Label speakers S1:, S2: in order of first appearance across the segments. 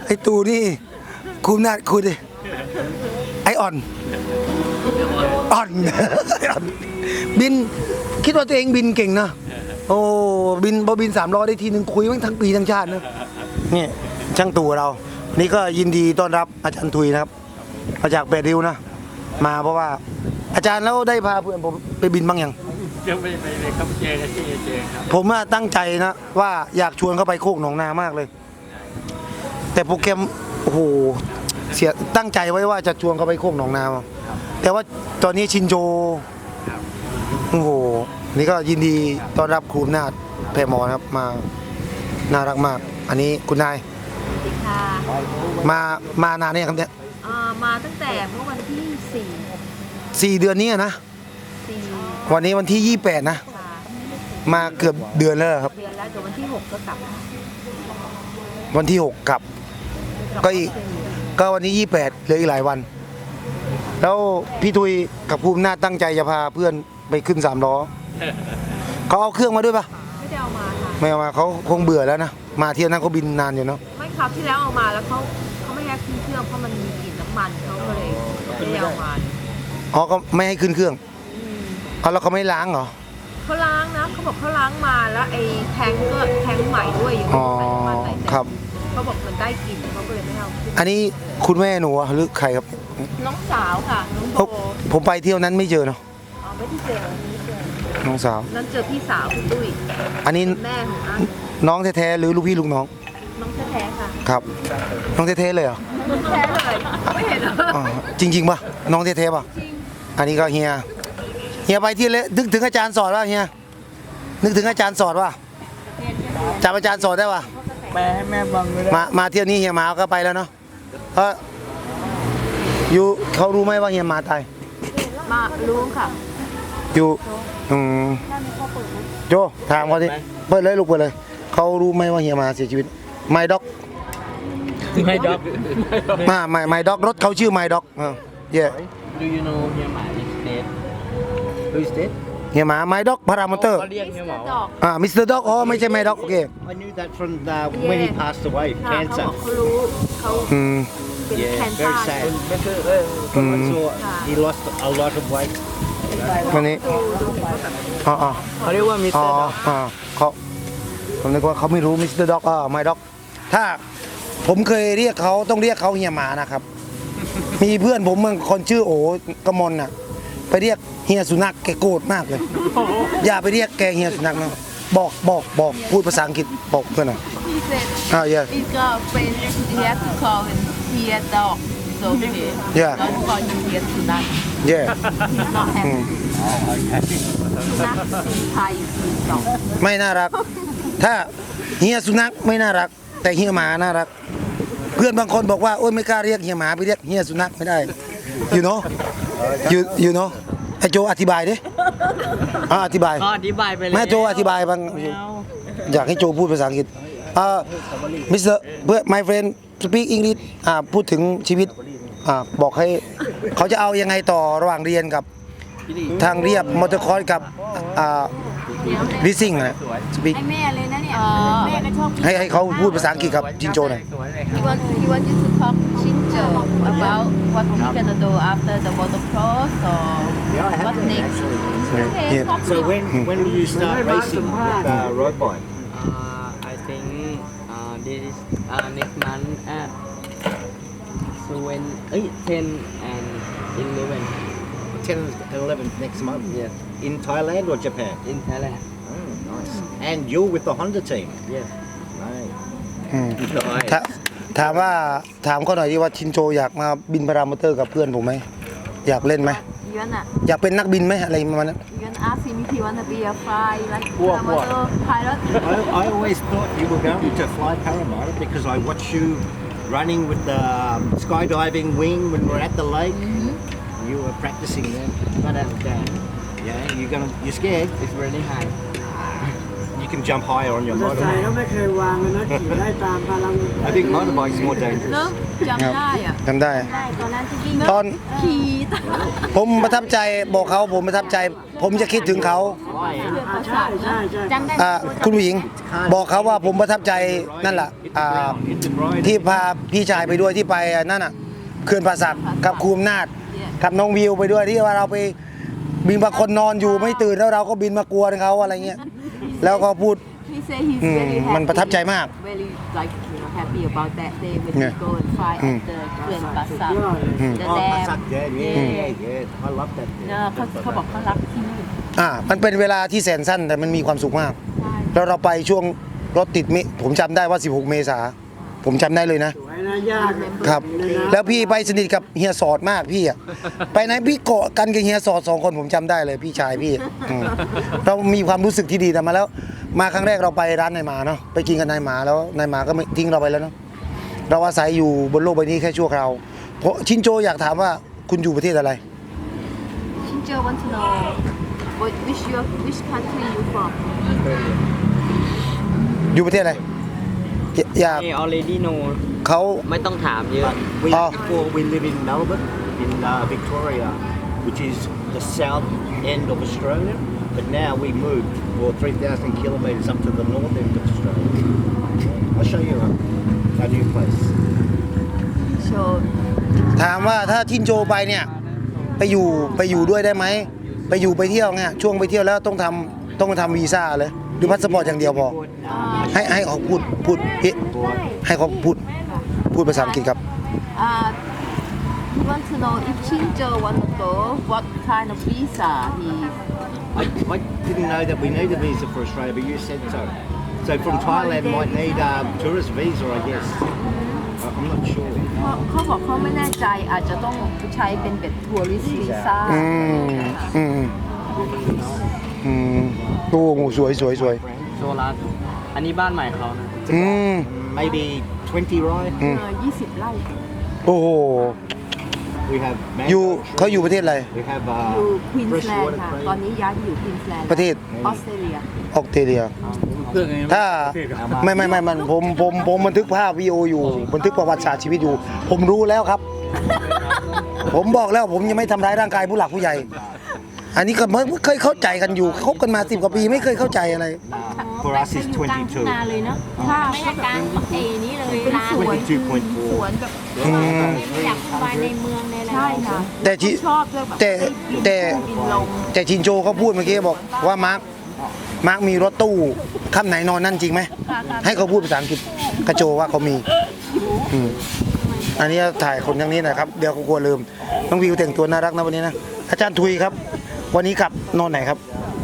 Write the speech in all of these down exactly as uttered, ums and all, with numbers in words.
S1: อ้ตูนี่คุณน่าคุณดิไออ่อนอ่อน บินคิดว่าตัวเองบินเก่งนะโอ้บินพอบินสามล้อได้ทีหนึ่งคุยมั้งทั้งปีทั้งชาตินะนี่ช่างตู่เรานี่ก็ยินดีต้อนรับอาจารย์ทุยนะครับมาจากแปดริ้วนะมาเพราะว่าอาจารย์แล้วได้พาเพื่อนผมไปบินบ้างยัง
S2: ยังไม่ไปเลยครับเจกันที่เจครับ
S1: ผมตั้งใจนะว่าอยากชวนเข้าไปโคกหนองนามากเลยแต่โปรแกรมโอ้โหเสียตั้งใจไว้ว่าจะชวนเขาไปโคกหนองนาแต่ว่าตอนนี้ชินโจโอ้โหนี่ก็ยินดีต้อนรับครูนาฏแพรหมอนะครับมาน่ารักมากอันนี้คุณนาย
S3: ค่ะ
S1: มามานานเนี่ยครับเนี่ย
S3: มาตั้งแต่เมื่อวันที่สี่
S1: สี่เดือนนี้นะวันนี้วันที่ยี่สิบแปดนะมาเกือบเดือนแล้วครับ
S3: เดือนแล้วเดี๋ยววันที่หกก็กลับ
S1: วันที่หกกลับก็อีกก็วันนี้ยี่สิบแปดเหลืออีกหลายวันแล้วพี่ทุยกับภูมินาฏตั้งใจจะพาเพื่อนไปขึ้นสามล้อเขาเอาเครื่องมาด้วยปะ
S3: ไม่ได้เอามาค่ะ
S1: ไม่เอามาเขาคงเบื่อแล้วนะมาเที่ยวนั้นเขาบินนานอยู่เนาะ
S3: ไม่ครับที่แล้วเอามาแล้วเขาเขาไม่ให้ขึ้นเครื่องเพราะมันมีกลิ่นน้ำมันเขาก็เลยไม่ได้เอามา
S1: อ๋อก็ไม่ให้ขึ้นเครื่องเอาแล้วเขาไม่ล้างเหรอ
S3: เขาล้างนะเขาบอกเขาล้างมาแล้วไอ้แทงก็แทงใหม่ด้วยอยู่
S1: อ๋อครับ
S3: เขาบอกมันได้กลิ่นเขาก็เลยไม่เอา
S1: อันนี้คุณแม่หนูหรือใครครับ
S3: น้องสาวค่ะน้องโบ
S1: ผมไปเที่ยวนั้นไม่เจอเนาะ
S3: อ๋อไม่ได้เจอ
S1: น้องสาว
S3: นั้นเจอพี่สาวคุณตุ้ย
S1: อันนี้
S3: แม่ของอัน
S1: น้องแท้ๆหรือลูกพี่ลูกน้อง
S3: น้องแท้ๆค่ะ
S1: ครับน้องแท้ๆเลยเหรอ
S3: แท้เลยไม่เห็นเหรอ
S1: จริงๆป่ะน้องแท้ๆป่ะอันนี้ก็เฮียเฮียไปที่เลยนึกถึงอาจารย์สอนว่าเฮียนึกถึงอาจารย์สอนว่าจำอาจารย์สอนได้ป่ะ
S2: แม่แม่บังเลย
S1: มามาเที่ยวนี้เฮียมาก็ไปแล้วเนาะเอออยู่เขารู้ไหมว่าเฮียมาตาย
S3: มารู้ค่ะ
S1: อยู่อืมโจถามเขาดิเปิดเลยลูกเปิดเลยเขารู้ไหมว่าเฮียมาเสียชีวิตไมด็อก
S2: ไมด็อก
S1: มาไมไมด็อกรถเขาชื่อไมด็อกเออเย่
S2: Do you know เฮียหมา is dead Who is dead
S1: เฮียหมาไมด็อกพารามอเตอร์
S2: เขาเรียกเฮียหมา
S1: อ่ามิสเตอร์ด็อกอ๋อไม่ใช่ไมด็อกโอเค
S4: I knew that from the, when he passed away cancer
S3: เขารู้เขาเป็นแคนเซอ
S4: very
S3: ร์
S4: sad so he lost a lot of weight
S1: วันนี้อ๋ออ๋อ
S2: เขาเรียกว่ามิสเตอร์ด็อก
S1: อ๋อเขาผมนึกว่าเขาไม่รู้มิสเตอร์ด็อกอ่าไมด็อกถ้าผมเคยเรียกเขาต้องเรียกเขาเฮียหมานะครับมีเพื่อนผมบางคนชื่อโอกมลน่ะไปเรียกเฮียสุนัขแกโกรธมากเลยอย่าไปเรียกแกเฮียสุนัขนะบอกบอกบอกพูดภาษาอังกฤษบอกเพื่อนหน่อยอ่า yeah
S3: He's got a friend he has to call him here dog so okay
S1: yeah
S3: don't call him here สุนัข
S1: yeah
S3: he's not happy สุนัขไทยคือดอก
S1: ไม่น่ารักถ้าเฮียสุนัขไม่น่ารักแต่เฮียหมาน่ารักเพื่อนบางคนบอกว่าโอ๊ยไม่กล้าเรียกเฮียหมาไปเรียกเฮียสุนัขไม่ได้ you know you you know ไอโจอธิบายดิอ่าอธิบาย
S2: อธิบายไปเลย
S1: แม่โจอธิบายบางอยากให้โจพูดภาษาอังกฤษอ่า Mister เพื่อ my friend speak English อ่าพูดถึงชีวิตอ่าบอกให้เขาจะเอายังไงต่อระหว่างเรียนกับทางเรียบมอเตอร์คอร์สกับอ่าลิสซิ่งนะสปีก
S3: ให้แม่เลยนะเนี่ยแม่ก็ชอบ
S1: ให้ให้เขาพูดภาษาอังกฤษกับจินโจหน่อย
S3: He want he want you to talk Shinjo about what he gonna do after the motocross or what next okay
S4: so when when will you start racing with uh, road bike
S2: I think uh, this is uh, next month at so when ten and eleven
S4: ten and eleven next month
S2: yes
S4: in Thailand or Japan
S2: in Thailand
S4: oh nice and you're with the Honda team
S2: yes
S4: right
S1: ถามว่าถามเขาหน่อยดีว่าชินโจอยากมาบินพารามอเตอร์กับเพื่อนผมไหมอยากเล่นไหมอยากเป็นนักบินไหมอะไรประมาณนั้น
S3: You wanna ask him if he wanna be a fly like paramotor pilot
S4: I, I always thought you were going to fly paramotor because I watch you running with the skydiving wing when we're at the lake you were practicing then
S2: but I'm scared
S4: yeah you're gonna you're scared
S2: it's really high
S4: you can jump higher on your
S5: มอเตอร์ไซค์
S4: motorbike.
S5: ก็ไม่เคยวางเลยนะขี่ได้ตามพลัง
S4: I think motorbikes are more
S3: เน
S4: dangerous.
S3: อะจำได้อ่ะ
S1: จำได้
S3: ได้ตอนนั้นที่วิ่ง
S1: ตอน
S3: ขี่
S1: ผมประทับใจบอกเขาผมประทับใจ ผมจะคิดถึงเขา
S5: อ่าใช่ใช่ใช่
S3: จำได้
S1: อ่าคุณผู้หญิง บอกเขาว่าผมประทับใจนั่นแหละ
S4: Hit
S1: อ่า
S4: the ground, hit the bride.
S1: ที่พาพี่ชายไปด้วยที่ไปนั่นน่ะเขื่อนป่าสักกับครูอำนาจกับน้องวิวไปด้วยที่ว่าเราไปบินบางคนนอนอยู่ไม่ตื่นแล้วเราก็บินมากวนเขาอะไรเงี้ยแล้วก็พูด
S3: He say he's
S1: อืม
S3: very happy
S1: มันประทับใจมาก
S3: very like you know happy about that day when
S1: Yeah.
S3: he go and fly
S1: อืม
S3: at the เขื่อนป่าสัก
S5: ยอดเลย
S3: the
S4: Oh,
S3: dam
S4: Pasuk Dam, yeah, yeah, yeah. I love that.
S3: เนอะเขาเขาบอกเขารักที่นี่
S1: อ่ามันเป็นเวลาที่แสนสั้นแต่มันมีความสุขมาก
S3: ใช่
S1: แล้วเราไปช่วงรถติดมิผมจำได้ว่าสิบหกเมษาผมจำได้เลยนะ
S5: สวยนะยาก
S1: ครับ
S5: เลยนะ
S1: แล้วพี่ไปสนิทกับเฮียสอดมากพี่อะไปไหนพี่เกาะกันกับเฮียสอดสองคนผมจำได้เลยพี่ชายพี่อืมเรามีความรู้สึกที่ดีแต่มาแล้ว มาครั้งแรกเราไปร้านนายหมาเนาะไปกินกับนายหมาแล้วนายหมาก็ไม่ทิ้งเราไปแล้วเนาะเราอาศัยอยู่บนโลกใบนี้แค่ชั่วคราวเพราะชินโจอยากถามว่าคุณอยู่ประเทศอะไร
S3: ชินโจ want to know what which your which country you from
S1: อยู่ประเทศอะไรอยอยาก
S2: I already know
S1: เขา
S2: ไม่ต้องถามเยอะ
S4: We,
S1: Oh.
S4: Before we live in Melbourne, in uh, Victoria, which is the south end of Australia. But now we moved for three thousand kilometres up to the north end of Australia. I'll show you our, our new place.
S3: so
S1: ถามว่าถ้าชินโจไปเนี่ยไปอยู่ไปอยู่ด้วยได้ไหมไปอยู่ไปเที่ยวเนี่ยช่วงไปเที่ยวแล้วต้องทำต้องทำวีซ่าเลยหรือพาสปอร์ตอย่างเดียวพอ ให้ให้เขาพูดพูดพี่ให้เขาพูดพูดภาษาอังกฤษครับ
S3: uh he want to know if Shinjo want to go what kind of visa he
S4: I, I didn't know that we need a visa for Australia, but you said so. So from Thailand might need a tourist visa, I guess. I- I'm not sure.
S3: เขาเขาบอกเขาไม่แน่ใจอาจจะต้องใช้เป็นแบบทัวริสต์วีซ่า
S1: อืมอืมอืมโอ้โหสวยสวยสวย
S2: โซลัสอันนี้บ้านใหม่เขานะ
S1: อืม
S4: Maybe twenty, right?
S1: อืม
S3: เออยี่สิบไร่
S1: โอ้โห
S4: We have
S1: อยู่
S4: mango
S1: เขาอยู่ประเทศอะไร
S4: trees. We have
S3: อยู่
S4: uh,
S3: ควีนส์แลน
S4: freshwater
S3: ด์ค่ะ
S4: cream.
S3: ตอนนี้ย้ายไปอยู่ควีนส์แลนด์
S1: ประเทศ
S3: ออสเตรเลีย
S1: ออสเตรเลียถ้าไม่ไม่ไม่มันผมผมผมบันทึกภาพวีดีโออยู่บันทึกประวัติศาสตร์ชีวิตอยู่ ผมรู้แล้วครับ ผมบอกแล้วผมยังไม่ทำร้ายร่างกายผู้หลักผู้ใหญ่ อันนี้ก็ไม่เคยเข้าใจกันอยู่คบกันมาสิบกว่าปีไม่เคยเข้าใจอะไร
S4: For us, it's twenty-two.
S3: นาเลยเนาะถ้าไม่ใช่การเอนี้เลยเป็นสวน
S4: twenty-two point
S3: ส
S4: four.
S3: วนแบบ
S1: อืม
S3: ไม่อยากไปในเมืองในอะไรใช่ค่ะ
S1: แต่ที่
S3: ชอบเรื่องแบบ
S1: แต่แต่
S3: บินลง
S1: แต่ชินโจเขาพูดเมื่อกี้บอกว่ามาร์คมาร์คมีรถตู้ค่ำไหนนอนนั่นจริงไหมให้เขาพูดภาษาอังกฤษกระโจว่าเขามีอืมอันนี้ถ่ายคนอย่างนี้นะครับเดี๋ยวเขากลัวลืมน้องวิวแต่งตัวน่ารักนะวันนี้นะอาจารย์ทุยครับ วันนี้กลับนอนไหนครับ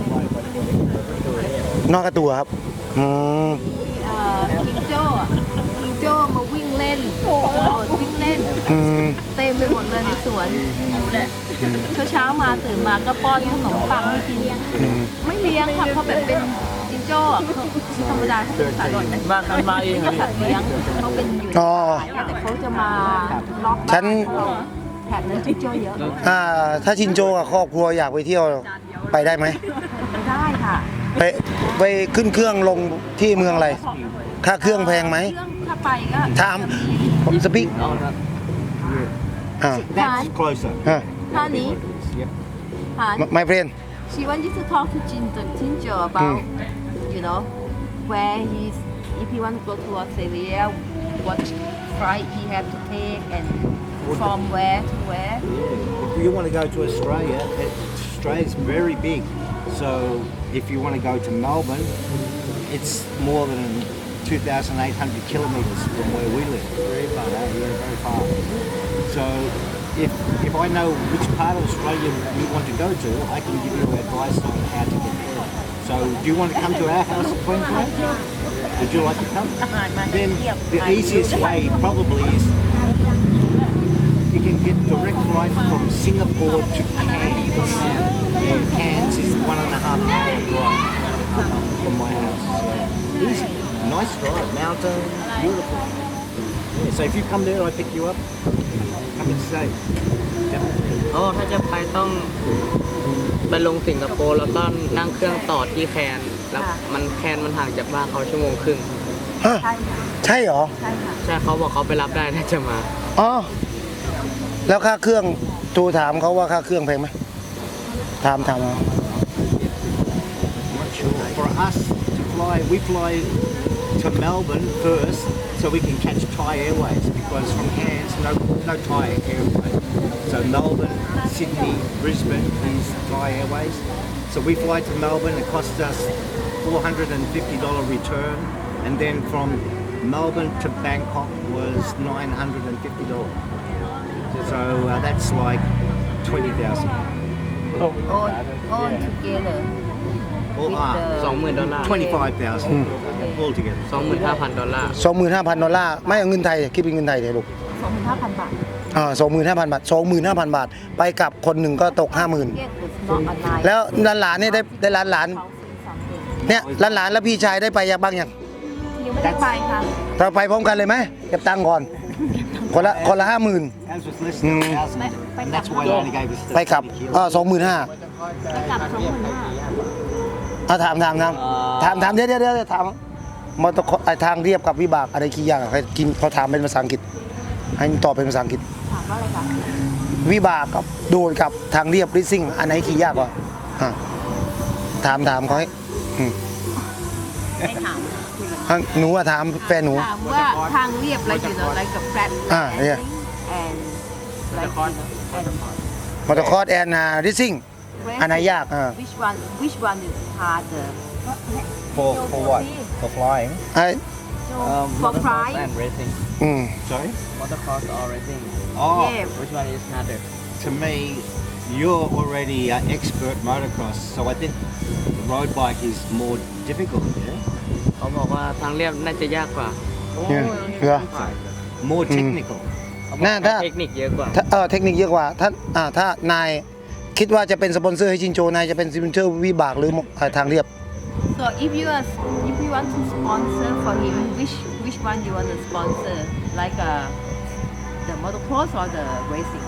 S1: นอนกระตัวครับอืม
S3: เอ่อคิงโจ้อะคิงโจ้มาวิ่งเล่นโอ้วิ่งเล่น
S1: อืม
S3: เต็มไปหมดเลยในสวนเช้าเช้าๆมาตื่นมาก็ป้อนขนมปังให้กิน
S1: อืม
S3: ไม่เลี้ยงค่ะเขาแบบเป็นจิงโจ้อะเขาธรรมดาเขาเป็นสัตว์หน่อยนะ
S2: บ้านมันมาเองเหรอ
S3: สัตว์เลี้ยงเขาเป็นอยู่ใน
S1: อ๋อ
S3: สายแต่เขาจะมาล็อก
S1: ฉัน
S3: แถบนั้นจิงโจ้เยอะ
S1: อ่าถ้าชินโจกับครอบครัวอยากไปเที่ยวไปได้ไหม
S3: ได้ค่ะ
S1: ไปไปขึ้นเครื่องลงที่เมืองอะไร ค่าเครื่องแพงไหม
S3: เครื่องถ้าไปก็
S1: ถามผมสปีก
S2: เอาครับ
S1: อ่า
S4: That's closer.
S1: อ่า
S3: ท่านี้
S4: Yep.
S3: หาน
S1: ไม่เพลน
S3: She wanted to talk to Ginger, Ginger about, you know, where he's, if he want to go to Australia, what flight he have to take and from where to where.
S4: If you want to go to Australia, it, Australia's very big. So if you want to go to Melbourne, it's more than two thousand eight hundred kilometres from where we live. Very far. Yeah, very far. So if if I know which part of Australia you want to go to, I can give you advice on how to get there. So do you want to come to our house in Queensland? Would you like to come? Then the easiest way probably is you can get direct flight from Singapore to Cairns. Yeah, Cairns is one and a half hour drive from my house. Yeah. Easy, nice drive, mountain, beautiful. Yeah, so if you come there, I pick you up. Come and stay. Definitely.
S2: โอ้ถ้าจะไปต้องไปลงสิงคโปร์แล้วก็นั่งเครื่องต่อที่แคนแล้ว
S3: ค่ะ
S2: มันแคนมันห่างจากบ้านเขาชั่วโมงครึ่ง
S1: ฮะ
S3: ใช่ค่ะ
S1: ใช่เหรอ
S3: ใช่ค่ะ
S2: ใช่เขาบอกเขาไปรับได้น่าจะมา
S1: อ๋อแล้วค่าเครื่องตูถามเขาว่าค่าเครื่องแพงไหมถามถามเอา
S4: Not sure. For us to fly, we fly to Melbourne first so we can catch Thai Airways because from Cairns, no, no Thai Airways. So Melbourne, Sydney, Brisbane is Thai Airways. So we fly to Melbourne, it costs us four hundred fifty dollars return. And then from Melbourne to Bangkok was nine hundred fifty dollars. So uh, that's like twenty thousand.
S3: all all together
S4: All
S3: with
S4: up,
S2: สองหมื่นดอลลาร์
S4: twenty-five thousand altogether.
S2: สองหมื่นห้าพันดอลลาร์
S1: สองหมื่นห้าพันดอลลาร์ไม่เอาเงินไทยคิดเป็นเงินไทยเลยลูก
S3: สองพันห้าพันบาท
S1: อ่าสองหมื่นห้าพันบาทสองหมื่นห้าพันบาท ไปกลับคนหนึ่งก็ตกห้าหมื่น
S3: Ticket was not a night
S1: แล้วหลานหลานๆเนี่ยได้ได้หลานหลาน
S3: เขาซื้อสามเดือน
S1: ๆเนี่ยหลานหลานๆแล้วพี่ชายได้ไปยังบ้างยัง
S3: ยังไม่ได้ไปค่ะ
S1: เราไปพร้อมกันเลยไหมเก็บตังค์ก่อน คนละคนละห้าหมื่น
S4: Ours was less than a thousand, and that's why they only gave us
S1: ไปกลับ
S4: thirty
S1: อ่า
S4: kilos.
S1: สองหมื่นห้า
S3: ไปกลับสองหมื่นห้า
S1: อ่าถามถามถามถามถามเดี๋ยวเดี๋ยวเดี๋ยวถามมอเตอร์ไอทางเรียบกับวิบากอะไรขี้ยากอะใครกินเขาถามเป็นภาษาอังกฤษ ให้ตอบเป็นภาษาอังกฤษ
S3: ถามว่าอะไรคะ
S1: วิบากกับโดดกับทางเรียบริซิ่งอันไหนขี่ยากกว่าอ่ะถามถามเขาให้อืม
S3: ให้ถาม
S1: อ่ะหนูอะถามแฟนหนู
S3: ถามว่าทางเรียบ like you know like a flat
S1: อ่าเนี่ย
S3: and like you know and
S1: มอเตอร์คอร์สแอนนาริซิ่ง อันไหนยากอ่า
S3: which one which one is harder
S4: For, for what? For flying?
S1: ไอ้
S2: Um,
S3: for
S2: motocross
S3: price
S2: and racing.
S1: อืม
S4: Sorry?
S2: Motocross or racing.
S4: Oh,
S3: yeah
S2: Which one is harder?
S4: to me, you're already an expert motocross, so I think the road bike is more difficult, yeah?
S2: เขาบอกว่าทางเรียบน่าจะยากกว่า
S1: เนี่ยเหรอ
S4: More
S1: Mm.
S4: technical.
S2: เขาบอก
S1: น่าถ้า
S2: เทคนิคเยอะกว่า
S1: ถ้าเออเทคนิคเยอะกว่าถ้าอ่าถ้านายคิดว่าจะเป็นสปอนเซอร์ให้ชินโจนายจะเป็นสปอนเซอร์วิบากหรืออ่าทางเรียบ
S3: so if you are if you want to sponsor for him which which one you want to sponsor like uh the motocross or the racing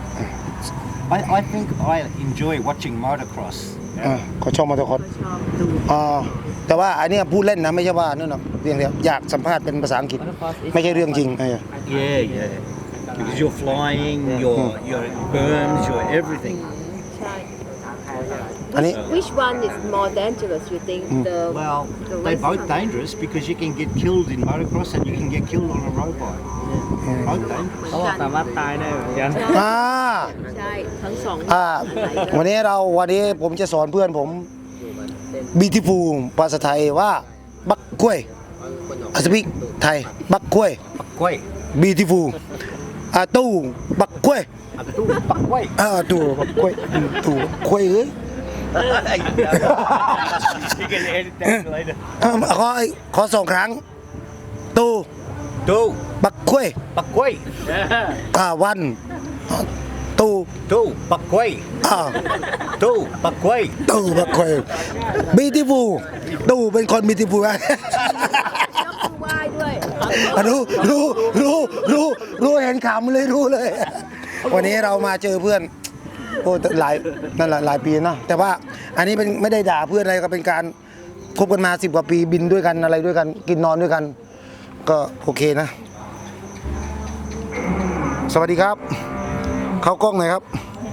S4: I, I think I enjoy watching motocross.
S1: อ่าเขาชอบมอเตอร์คอร์ส
S3: ชอบดู
S1: อ่าแต่ว่าอันเนี้ยพูดเล่นนะไม่ใช่ว่านั่นหรอกเพียงแต่อยากสัมภาษณ์เป็นภาษาอังกฤษ ไม่ใช่เรื่องจริงเออ
S4: Yeah, yeah. Because you're flying, your your berms, your everything.
S3: ใช่
S1: อันนี้
S3: which one is more dangerous you think the
S4: Well,
S3: the
S4: they're both
S3: racing
S4: dangerous because you can get killed in motocross and you can get killed on a road bike. Both dangerous.
S2: เขาบอกสามารถตายได้เหมือนกัน
S1: อ่า
S3: ใช่ทั้งสอง
S1: อ่าวันนี้เราวันนี้ผมจะสอนเพื่อนผมบีทิฟูภาษาไทยว่าบักกล้วยอาสปิกไทยบักกล้วย
S4: Wait,
S1: บีทิฟูอ่าตู้บักกล้วย
S4: wait.
S1: อ่าตู้บักกล้วยอืมตู้บักกล้วยเอ้ย
S4: You can edit that later.
S1: อ่าขอขอสองครั้งตู้
S4: Do,
S1: บักกล้วย
S4: but wait.
S1: อ่าวันตู้
S4: Do, but wait.
S1: อ่า
S4: Do, but wait.
S1: ตู้บักกล้วยบีทิฟูตู้เป็นคนบีทิฟู
S3: ยกมือไหว้ด้วย
S1: อ่ะรู้รู้รู้รู้รู้เห็นขำเลยรู้เลย วันนี้เรามาเจอเพื่อนโอ้หลายนั่นแหละหลายปีเนาะแต่ว่าอันนี้เป็นไม่ได้ด่าเพื่อนอะไรก็เป็นการคบกันมาสิบกว่าปีบินด้วยกันอะไรด้วยกัน กินนอนด้วยกัน ก็โอเคนะ สวัสดีครับ เข้ากล้องหน่อยครับ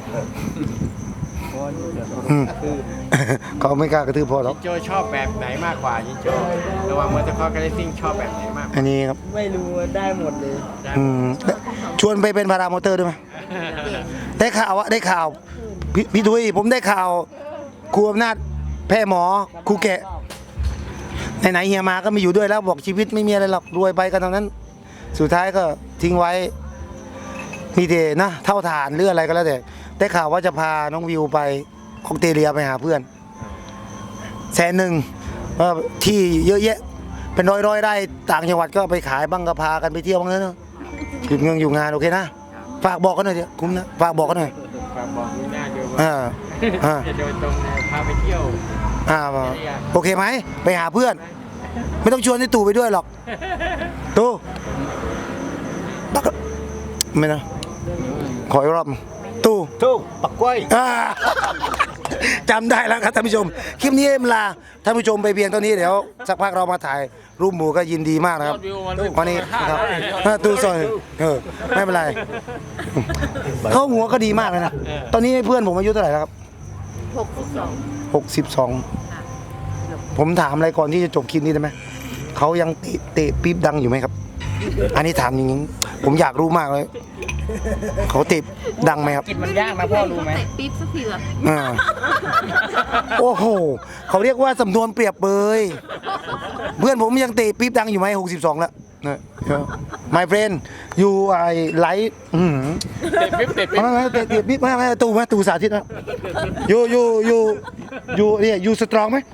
S1: อืมเขาไม่กล้ากระทืบพอหรอก
S5: โจชอบแบบไหนมากกว่ายิงโจระหว่างมอเตอร์คอร์สกับเรซซิ่งชอบแบบไหนมาก
S1: อันนี้ครับ
S2: ไม่รู้ได้หมดเลย
S1: อืมชวนไปเป็นพารามอเตอร์ด้วยไหมได้ข่าวว่าได้ข่าวพี่พี่ทุยผมได้ข่าวครูอำนาจแพร่หมอครูแกะไหนๆเฮียมาก็ไมีอยู่ด้วยแล้วบอกชีวิตไม่มีอะไรหรอกรวยไปกันตรงนั้น สุดท้ายก็ทิ้งไว้มีแต่นะเท่าฐานหรืออะไรก็แล้วแต่ได้ข่าวว่าจะพาน้องวิวไปออสเตรเลียไปหาเพื่อนแสนหนึ่งว่าที่เยอะแยะ เป็นร้อยร้อยๆไร่ต่างจังหวัดก็ไปขายบ้างก็พากันไปเที่ยวบ้างเนอะหยุดเงินอยู่งานโอเคนะฝากบอกกันหน่อยเดี๋ยวคุ้มนะฝากบอกกันหน่อย
S5: ฝากบอกคุณหน้าโจ
S1: อ่าอ่า
S5: จะโดยตรงเลยพาไปเที่ยว
S1: อ่าโอเคไหมไปหาเพื่อน ไม่ต้องชวนไอ้ตู่ไปด้วยหรอกตู่บักไม่นะขออีกรอบตู่
S4: Do, but wait.
S1: อ่าจำได้แล้วครับท่านผู้ชม คลิปนี้เอ็มลาท่านผู้ชมไปเพียงเท่านี้เดี๋ยวสักพักเรามาถ่ายรูปหมู่ก็ยินดีมากนะครับวันนี้นะครับตูซอยเออไม่เป็นไรเขาหัวก็ดีมากเลยนะตอนนี้เพื่อนผมอายุเท่าไหร่แล้วครับ
S3: หกสิบสอง
S1: หกสิบสองผมถามอะไรก่อนที่จะจบคลิปนี้ได้ไหมเขายังเตะเตะปี๊บดังอยู่ไหมครับ อันนี้ถามจริงๆผมอยากรู้มากเลยเขาเตะดังไหมครับ
S2: กินมันยากนะพ่อรู้ไหม
S3: เตะปี๊บสักทีเหรอ
S1: อ่าโอ้โหเขาเรียกว่าสำนวนเปรียบเปยเพื่อนผมยังเตะปี๊บดังอยู่ไหมหกสิบสองแล้วนะ my friend you I like อืม
S5: เตะปิ๊บเตะปิ๊บ
S1: ไม่ไม่เตะเตะปี๊บไม่ไม่ตูไหมตูสาธิตนะ you you you you เนี่ย you strong ไหม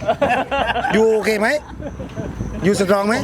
S1: you โอเคไหม you strong ไหม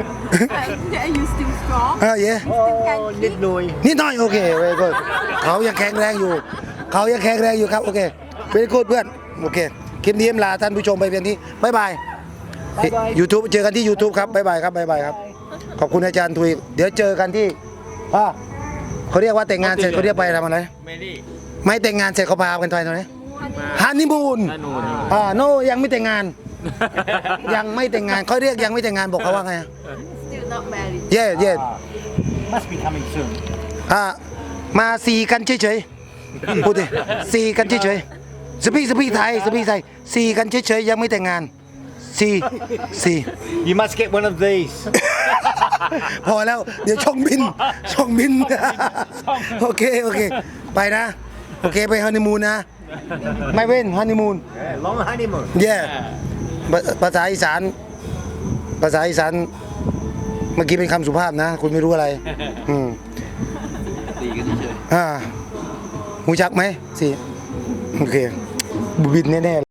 S3: Are you still strong
S1: อ่าเย่
S4: นิดหน่อย
S1: นิดหน่อยโอเคเว้ยก็เขายังแข็งแรงอยู่ เขายังแข็งแรงอยู่ครับโอเคเป็นกูดเพื่อนโอเคคลิปนี้เอ็มลาท่านผู้ชมไปเพียงนี้บ๊ายบายยูทูบเจอกันที่ YouTube ครับบ๊ายบายครับบ๊ายบายครับขอบคุณอาจารย์ทุยเดี๋ยวเจอกันที่อ่าเขาเรียกว่าแต่งงานเสร็จเขาเรียกไปทำอะไร
S5: เมลี่
S1: ไม่แต่งงานเสร็จเขาพากันไปตรงไหนฮันนีมูน
S5: ฮันนีมูน
S1: อ่าโนยังไม่แต่งงาน ยังไม่แต่งงานเขาเรียกยังไม่แต่งงานบอกเขาว่าไง
S3: still not married
S1: เย่เย่
S4: must be coming soon
S1: อ่ามาสีกันเฉยๆพูดดิสีกันเฉยๆสปีกสปีกไทยสปีกไทยสีกันเฉยๆยังไม่แต่งงานสีสี
S4: you must get one of these
S1: พอแล้วเดี๋ยวช่องบินช่องบิน โอเคโอเคไปนะโอเคไปฮันนีมูนนะไม่เว้นฮันนีมูน
S4: yeah, long honeymoon
S1: เย่ภาษาอีสานภาษาอีสานเมื่อกี้เป็นคำสุภาพนะ คุณไม่รู้อะไร อืม
S2: ตีกันเฉย
S1: อ่าหูจักไหมสิโอเคบุบินแน่ๆ